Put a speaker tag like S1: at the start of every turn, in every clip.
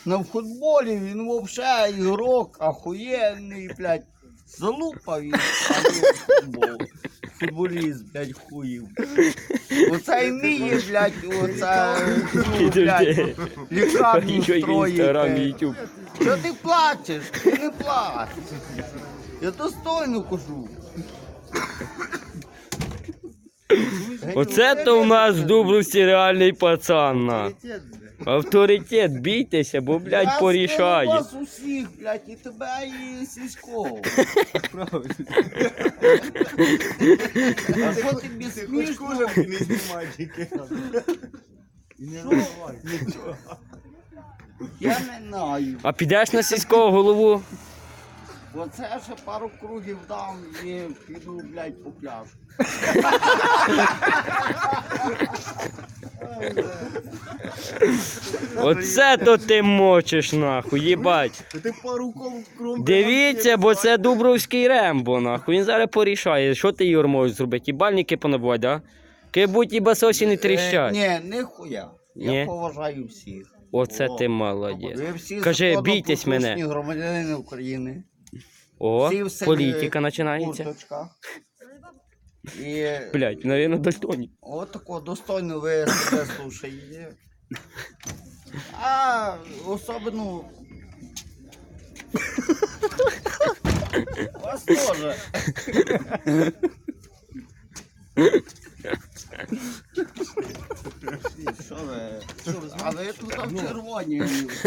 S1: на футболі, він взагалі ігрок, охуєнний, блядь. Залупав він, футбол. Футболіст, блядь, хуїв. Оце вміє, блядь, оце, блядь, лікарню строїти. Що ти плачеш? Ти не плач. Я достойно кажу.
S2: Оце то в нас в Дубровці реальний пацан. На. Авторитет, бійтеся, бо, блядь, порішає.
S1: Я вас усіх, блядь, і тебе, і сільського.
S3: Правильно.
S1: А що тобі смішно?
S3: Не знімай тільки. І не розмовляй.
S1: Я не знаю.
S2: А підеш на сільського голову?
S1: Оце ще пару кругів дам і піду, блядь, по пляжу.
S2: Оце то ти мочиш, нахуй, їбать.
S3: Ти пару кром.
S2: Дивіться, бо це Дубровський Рембо, нахуй. Він зараз порішає. Що ти, Юр, можеш зробити? І бальники понабувати, да? Кибуть і басосі не тріщать.
S1: Ні, ніхуя.
S2: Ні?
S1: Я поважаю всіх.
S2: Оце ти молодець.
S1: Ви всі
S2: Кажи, бійтесь
S1: законопослушні
S2: мене.
S1: громадяни України.
S2: О,
S1: Всі в селі
S2: політика починається.
S1: курточках. І
S2: Блять, навіть дальтоні.
S1: от такого достойно ви себе слушаєте. А особливо вас теж. Що ви? А ви тут там червоні.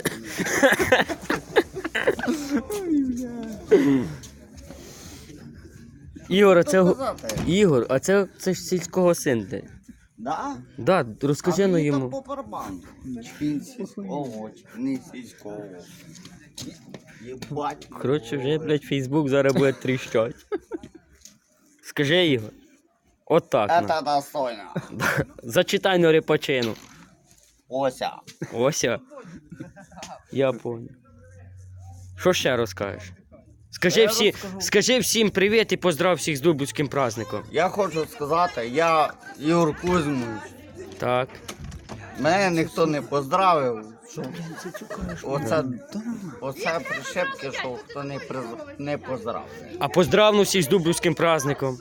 S2: Ігор, а це...
S1: Що казати?
S2: Ігор, а це ж сільського син ти.
S1: Да?
S2: Да, розкажи ну
S1: мені
S2: йому.
S1: то по барабану. Він сільського, не сільського. Єбать.
S2: Коротше, вже, блядь, Фейсбук зараз буде тріщать. Скажи, Ігор. От так. на.
S1: Это достойно.
S2: Зачитай на репачину.
S1: Ося.
S2: Ося. Я понял. Що ще розкажеш? Скажи всім привіт і поздрав всіх з Дубовським праздником.
S1: Я хочу сказати, я Ігор Кузьмович.
S2: Так.
S1: Мене ніхто не поздравив, що оце прищепки, що хто не поздравив.
S2: А поздравну всіх з Дубовським праздником.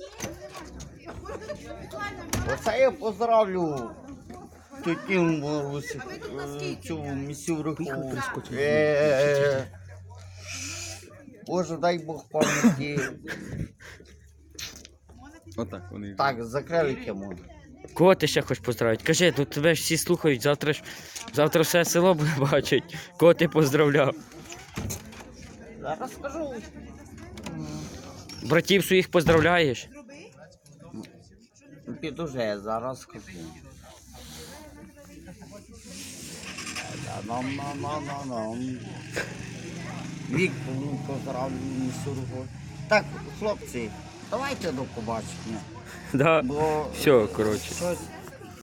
S1: Оце я поздравлю тітю цю місюрку. Боже, дай Бог пам'яті.
S3: Отак вони.
S1: Так, закрили тему.
S2: Кого ти ще хочеш поздравити? Кажи, ну тебе ж всі слухають, завтра все село буде бачить. Кого ти поздравляв?
S1: Зараз скажу.
S2: Братів своїх поздравляєш?
S1: Підуже, зараз скажу. Вік поздравлю місюрку. Так, хлопці, давайте до побачення.
S2: Да.
S1: Бо
S2: Все, коротше.
S1: щось